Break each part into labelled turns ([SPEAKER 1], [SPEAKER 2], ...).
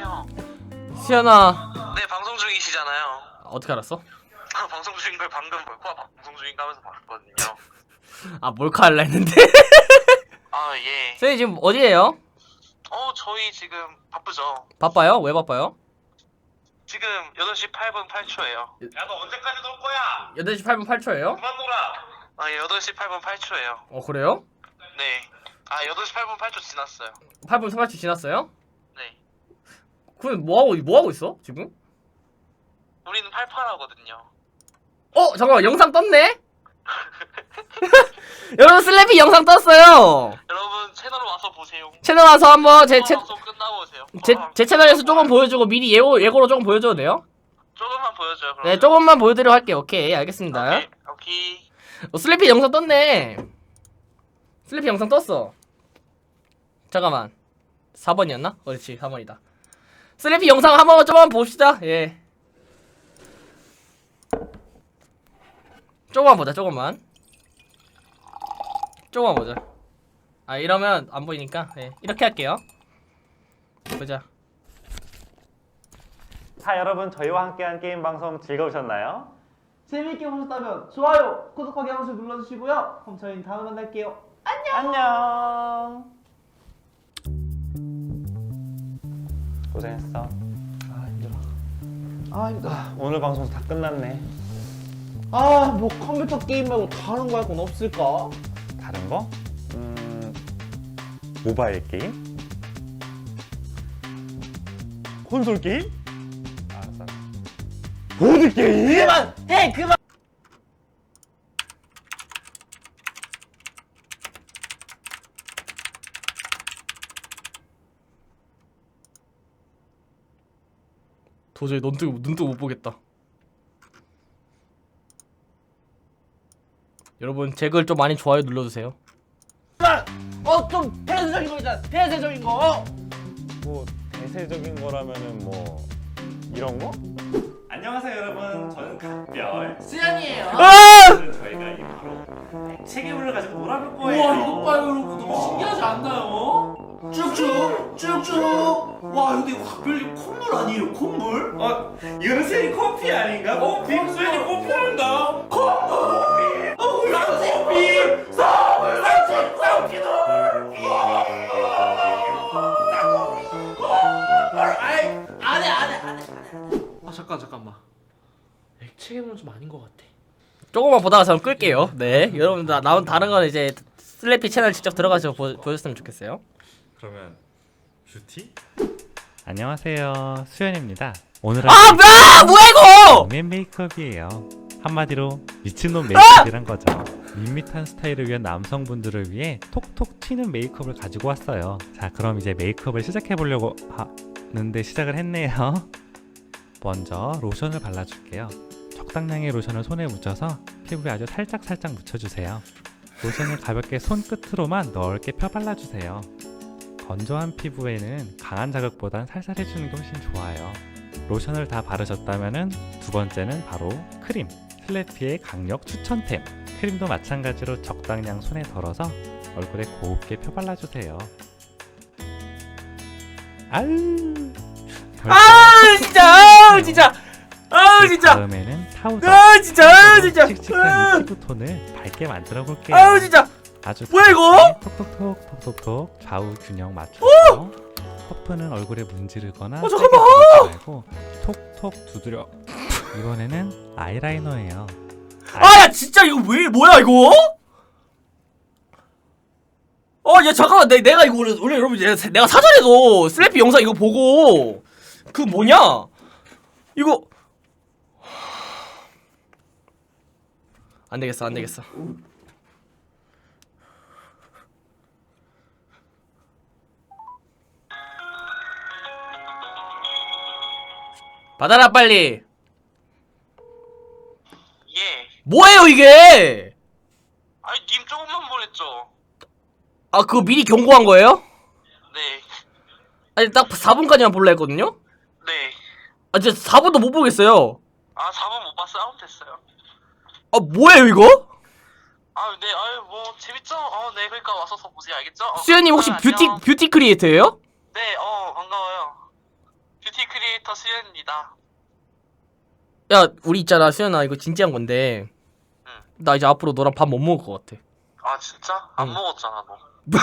[SPEAKER 1] 안녕하세요.
[SPEAKER 2] 수연아,
[SPEAKER 1] 네, 방송 중이시잖아요.
[SPEAKER 2] 어떻게 알았어?
[SPEAKER 1] 방송 중인 걸 방금 몰카 방송 중인가 하면서 봤거든요.
[SPEAKER 2] 아, 몰카 할라 했는데.
[SPEAKER 1] 아, 예.
[SPEAKER 2] 수연이 지금 어디에요?
[SPEAKER 1] 저희 지금 바쁘죠.
[SPEAKER 2] 바빠요? 왜 바빠요?
[SPEAKER 1] 지금 8시 8분 8초예요. 야, 너 언제까지 놀 거야?
[SPEAKER 2] 8시 8분 8초예요?
[SPEAKER 1] 그만 놀아. 아, 예, 8시 8분 8초예요.
[SPEAKER 2] 그래요?
[SPEAKER 1] 네. 아, 8시 8분 8초 지났어요.
[SPEAKER 2] 8분 8초 지났어요?
[SPEAKER 1] 네.
[SPEAKER 2] 그럼 뭐하고 있어, 지금?
[SPEAKER 1] 우리는 88하거든요.
[SPEAKER 2] 잠깐만, 영상 떴네? 여러분, 슬래피 영상 떴어요!
[SPEAKER 1] 여러분, 채널 와서 보세요.
[SPEAKER 2] 채널 와서 한번
[SPEAKER 1] 방송 끝나고 오세요.
[SPEAKER 2] 제 채널에서 조금 보여주고 미리 예고로 조금 보여줘도 돼요?
[SPEAKER 1] 조금만 보여줘요, 그럼.
[SPEAKER 2] 네, 조금만 보여드리도록 할게요. 오케이, 알겠습니다.
[SPEAKER 1] 오케이.
[SPEAKER 2] 슬래피 영상 떴네. 슬래피 영상 떴어. 잠깐만. 4번이었나? 그렇지, 4번이다. 슬래피 영상 한번 조금만 봅시다. 예. 조금만 보자, 조금만 보자. 아, 이러면 안 보이니까, 예. 이렇게 할게요. 보자.
[SPEAKER 3] 자, 여러분, 저희와 함께한 게임 방송 즐거우셨나요?
[SPEAKER 4] 재미있게 보셨다면 좋아요, 구독하기 한 번씩 눌러주시고요. 그럼 저희는 다음에 만날게요.
[SPEAKER 3] 안녕. 고생했어.
[SPEAKER 4] 아 힘들어. 아 힘들어.
[SPEAKER 3] 오늘 방송 다 끝났네.
[SPEAKER 4] 아뭐 컴퓨터 게임 말고 다른 거 할 건 없을까?
[SPEAKER 3] 다른 거? 모바일 게임? 콘솔 게임? 알았어. 보드 게임?
[SPEAKER 4] 그만.
[SPEAKER 2] 도저히 눈뜨고 못 보겠다. 여러분, 제 글 좀 많이 좋아요 눌러주세요.
[SPEAKER 4] 좀 폐쇄적인 거 있잖아. 폐쇄적인 거.
[SPEAKER 3] 뭐 대세적인 거라면은 뭐 이런 거? 안녕하세요 여러분, 저는 각별
[SPEAKER 4] 수연이에요.
[SPEAKER 3] 오늘 저희가 이 바로 책임을 가지고 놀아볼 거예요.
[SPEAKER 4] 우와 이것 봐요 여러분, 너무 신기하지 않나요? 쭉쭉. 와 근데 이거 각별님 콧물 아니에요? 콧물?
[SPEAKER 3] 이거는 세이 커피 아닌가? 커피? 수현이 커피 한다.
[SPEAKER 4] 잠깐만. 액체괴물은 좀 아닌 것 같아.
[SPEAKER 2] 조금만 보다가 저는 끌게요. 네, 여러분 나온 다른 건 이제 슬래피 채널 직접 들어가서 보셨으면 좋겠어요.
[SPEAKER 3] 그러면 뷰티? 안녕하세요, 수현입니다. 오늘은
[SPEAKER 2] 뭐야 이거!
[SPEAKER 3] 맨 메이크업이에요. 한마디로 미친놈 메이크업이란 거죠. 밋밋한 스타일을 위한 남성분들을 위해 톡톡 튀는 메이크업을 가지고 왔어요. 자, 그럼 이제 메이크업을 시작해 보려고 하는데 시작을 했네요. 먼저 로션을 발라줄게요. 적당량의 로션을 손에 묻혀서 피부에 아주 살짝 묻혀주세요. 로션을 가볍게 손끝으로만 넓게 펴 발라주세요. 건조한 피부에는 강한 자극보단 살살 해주는 게 훨씬 좋아요. 로션을 다 바르셨다면 두 번째는 바로 크림. 슬래피의 강력 추천템. 크림도 마찬가지로 적당량 손에 덜어서 얼굴에 곱게 펴 발라주세요.
[SPEAKER 2] 진짜
[SPEAKER 3] 다음에는 파우더. 칙칙한 이 피부톤을 밝게 만들어 볼게요. 아주
[SPEAKER 2] 뭐야, 이거?
[SPEAKER 3] 톡톡톡 좌우 균형 맞춰서 퍼프는 얼굴에 문지르거나 세게
[SPEAKER 2] 잠깐만.
[SPEAKER 3] 두르지 말고 톡톡 두드려. 이번에는 아이라이너예요.
[SPEAKER 2] 야 진짜 이거 뭐야 이거? 야 잠깐만, 내가 이거 원래 여러분 내가 사전에도 슬래피 영상 이거 보고 그 뭐냐 이거 안 되겠어. 받아라 빨리.
[SPEAKER 1] 예.
[SPEAKER 2] 뭐예요 이게?
[SPEAKER 1] 아니, 님 조금만 보냈죠.
[SPEAKER 2] 그거 미리 경고한 거예요?
[SPEAKER 1] 네.
[SPEAKER 2] 아니 딱 4분까지만 볼라 했거든요?
[SPEAKER 1] 네.
[SPEAKER 2] 진짜 4분도 못 보겠어요.
[SPEAKER 1] 4번 못 봤어요. 아웃 됐어요.
[SPEAKER 2] 뭐예요 이거?
[SPEAKER 1] 네. 뭐 재밌죠? 네. 그러니까 와서 보세요. 알겠죠?
[SPEAKER 2] 수현님 혹시
[SPEAKER 1] 안녕.
[SPEAKER 2] 뷰티 크리에이터예요?
[SPEAKER 1] 네. 반가워요. 크리에이터 수현입니다.
[SPEAKER 2] 야, 우리 있잖아, 수연아. 이거 진지한 건데.
[SPEAKER 1] 응.
[SPEAKER 2] 나 이제 앞으로 너랑 밥 못 먹을 것 같아.
[SPEAKER 1] 아 진짜? 안
[SPEAKER 2] 응.
[SPEAKER 1] 먹었잖아 너. 너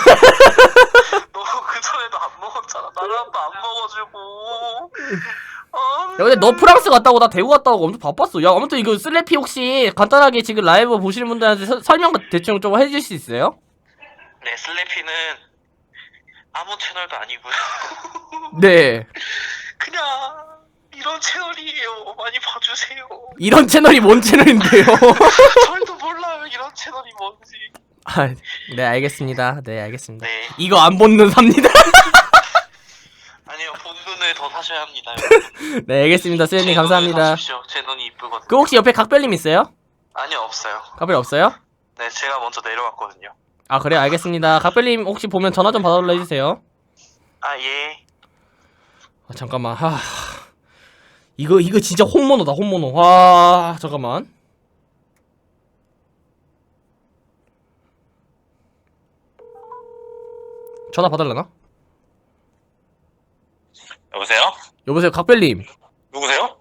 [SPEAKER 1] 그전에도 안 먹었잖아. 나랑도 안 먹어주고.
[SPEAKER 2] 야, 근데 너 프랑스 갔다 오고 나 대구 갔다 오고 엄청 바빴어. 야, 아무튼 이거 슬래피 혹시 간단하게 지금 라이브 보시는 분들한테 설명 대충 좀 해줄 수 있어요?
[SPEAKER 1] 네, 슬래피는 아무 채널도 아니고요.
[SPEAKER 2] 네.
[SPEAKER 1] 그냥 이런 채널이에요. 많이 봐주세요.
[SPEAKER 2] 이런 채널이 뭔 채널인데요?
[SPEAKER 1] 저희도 몰라요. 이런 채널이 뭔지.
[SPEAKER 2] 아, 네, 알겠습니다. 네, 알겠습니다.
[SPEAKER 1] 네.
[SPEAKER 2] 이거 안 본 눈 삽니다.
[SPEAKER 1] 아니요, 본 눈을 더 사셔야 합니다.
[SPEAKER 2] 네, 알겠습니다. 수연님 감사합니다.
[SPEAKER 1] 제 눈이 이쁘거든요.
[SPEAKER 2] 그 혹시 옆에 각별님 있어요?
[SPEAKER 1] 아니요, 없어요.
[SPEAKER 2] 각별 없어요?
[SPEAKER 1] 네, 제가 먼저 내려왔거든요.
[SPEAKER 2] 아, 그래요? 알겠습니다. 각별님 혹시 보면 전화 좀 받아달라 해주세요.
[SPEAKER 1] 아, 예.
[SPEAKER 2] 아, 잠깐만. 이거 진짜 홈모노다, 홈모노. 와, 잠깐만. 전화 받을라나?
[SPEAKER 1] 여보세요?
[SPEAKER 2] 여보세요, 각별님.
[SPEAKER 1] 누구세요?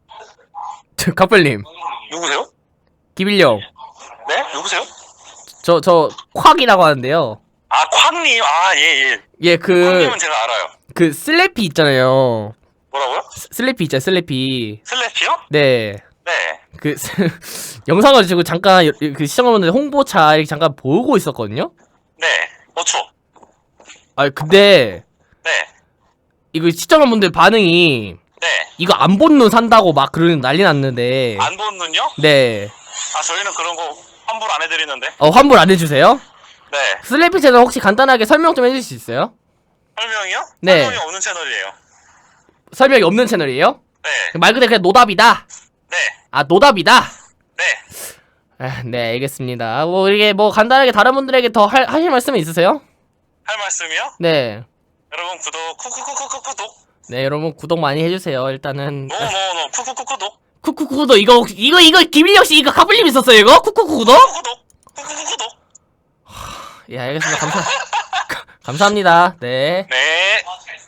[SPEAKER 2] 각별님.
[SPEAKER 1] 누구세요?
[SPEAKER 2] 기빌령.
[SPEAKER 1] 네? 누구세요?
[SPEAKER 2] 저 콱이라고 하는데요.
[SPEAKER 1] 아, 쾅님. 아, 예, 예.
[SPEAKER 2] 예,
[SPEAKER 1] 쾅님은 제가 알아요.
[SPEAKER 2] 그 슬래피 있잖아요.
[SPEAKER 1] 뭐라고요?
[SPEAKER 2] 슬래피 있잖아요, 슬래피.
[SPEAKER 1] 슬래피요?
[SPEAKER 2] 네.
[SPEAKER 1] 네.
[SPEAKER 2] 그 영상을 지금 잠깐 그 시청자분들 홍보차 이렇게 잠깐 보고 있었거든요.
[SPEAKER 1] 네. 5초.
[SPEAKER 2] 아, 근데
[SPEAKER 1] 네.
[SPEAKER 2] 이거 시청자분들 반응이
[SPEAKER 1] 네.
[SPEAKER 2] 이거 안 본 눈 산다고 막 그러는 난리 났는데.
[SPEAKER 1] 안 본 눈요?
[SPEAKER 2] 네.
[SPEAKER 1] 아, 저희는 그런 거 환불 안 해드리는데.
[SPEAKER 2] 환불 안 해주세요?
[SPEAKER 1] 네.
[SPEAKER 2] 슬래피 채널 혹시 간단하게 설명 좀 해줄 수 있어요?
[SPEAKER 1] 설명이요?
[SPEAKER 2] 네.
[SPEAKER 1] 설명이 없는 채널이에요.
[SPEAKER 2] 설명이 없는 채널이에요?
[SPEAKER 1] 네.
[SPEAKER 2] 말 그대로 그냥 노답이다.
[SPEAKER 1] 네.
[SPEAKER 2] 아, 노답이다.
[SPEAKER 1] 네.
[SPEAKER 2] 아, 네, 알겠습니다. 뭐 이게 뭐 간단하게 다른 분들에게 더 하실 말씀이 있으세요?
[SPEAKER 1] 할 말씀이요?
[SPEAKER 2] 네.
[SPEAKER 1] 여러분 구독 쿠쿠쿠쿠쿠 구독.
[SPEAKER 2] 네, 여러분 구독 많이 해주세요. 일단은
[SPEAKER 1] 노노노 쿠쿠쿠 구독.
[SPEAKER 2] 쿠쿠쿠도 이거 김일영 씨 이거 가불림 있었어요 이거 쿠쿠쿠도?
[SPEAKER 1] 구독. 쿠쿠쿠 구독.
[SPEAKER 2] 예, 알겠습니다. 감사합니다. 네.
[SPEAKER 1] 네.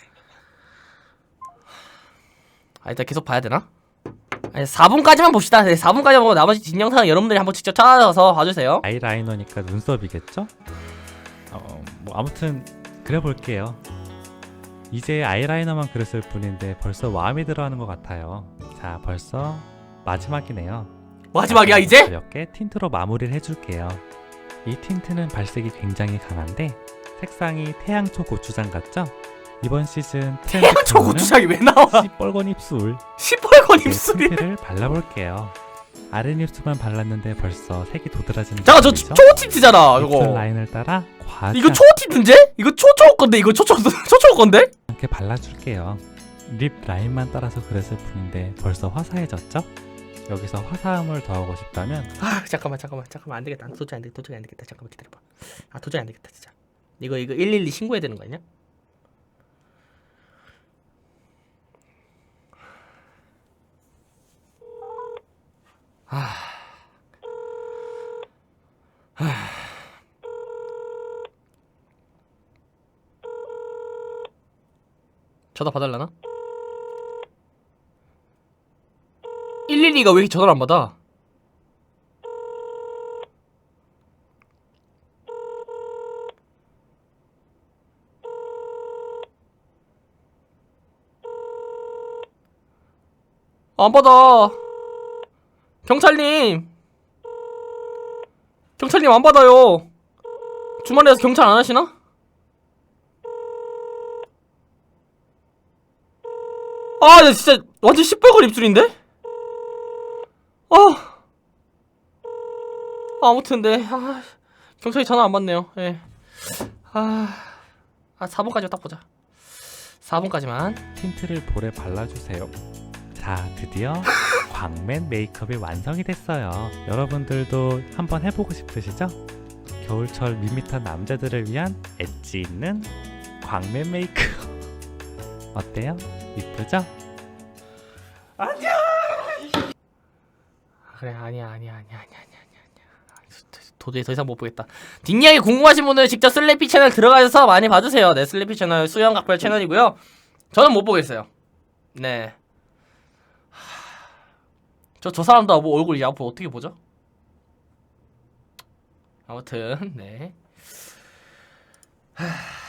[SPEAKER 2] 아, 일단 계속 봐야 되나? 아니, 4분까지만 봅시다. 네, 4분까지만 보고 나머지 뒷영상 여러분들이 한번 직접 찾아서 봐주세요.
[SPEAKER 3] 아이라이너니까 눈썹이겠죠? 뭐 아무튼 그려볼게요. 이제 아이라이너만 그렸을 뿐인데 벌써 마음이 들어하는 것 같아요. 자, 벌써 마지막이네요.
[SPEAKER 2] 마지막이야 이제?
[SPEAKER 3] 가볍게 틴트로 마무리를 해줄게요. 이 틴트는 발색이 굉장히 강한데 색상이 태양초 고추장 같죠? 이번 시즌 트렌드
[SPEAKER 2] 태양초
[SPEAKER 3] 컬러는
[SPEAKER 2] 고추장이 왜 나와?
[SPEAKER 3] 시뻘건 입술.
[SPEAKER 2] 시뻘건
[SPEAKER 3] 이제
[SPEAKER 2] 입술이.
[SPEAKER 3] 틴트를 발라볼게요. 아랫입술만 발랐는데 벌써 색이 도드라지는
[SPEAKER 2] 잠깐 저
[SPEAKER 3] 느낌이죠?
[SPEAKER 2] 초호 틴트잖아
[SPEAKER 3] 입술
[SPEAKER 2] 이거.
[SPEAKER 3] 라인을 따라 과하지
[SPEAKER 2] 이거 초호 틴트인데? 이거 초초 건데 이거 초초 건데?
[SPEAKER 3] 않게 발라줄게요. 립 라인만 따라서 그랬을 뿐인데 벌써 화사해졌죠? 여기서 화사함을 더하고 싶다면
[SPEAKER 2] 아, 잠깐만 안 되겠다. 도저히 안 되겠다. 잠깐만 기다려봐. 아, 도저히 안 되겠다 진짜. 이거 112 신고해야 되는 거 아니야? 전화 받을라나? 112가 왜 이렇게 전화를 안 받아? 안 받아. 경찰님 안 받아요. 주말에서 경찰 안 하시나? 아, 나 진짜 완전 시뻘건 입술인데? 아무튼 네. 경찰이 전화 안 받네요. 예. 4분까지 딱 보자. 4분까지만.
[SPEAKER 3] 틴트를 볼에 발라주세요. 자, 드디어 광맨 메이크업이 완성이 됐어요. 여러분들도 한번 해보고 싶으시죠? 겨울철 밋밋한 남자들을 위한 엣지 있는 광맨 메이크업 어때요? 이쁘죠?
[SPEAKER 2] 그래, 아니야. 도저히 더 이상 못 보겠다. 뒷이야기 궁금하신 분들 직접 슬래피 채널 들어가셔서 많이 봐주세요. 네, 슬래피 채널 수영각별 채널이고요. 저는 못 보겠어요. 네. 저 사람도 뭐 얼굴 이제 앞으로 어떻게 보죠? 아무튼 네.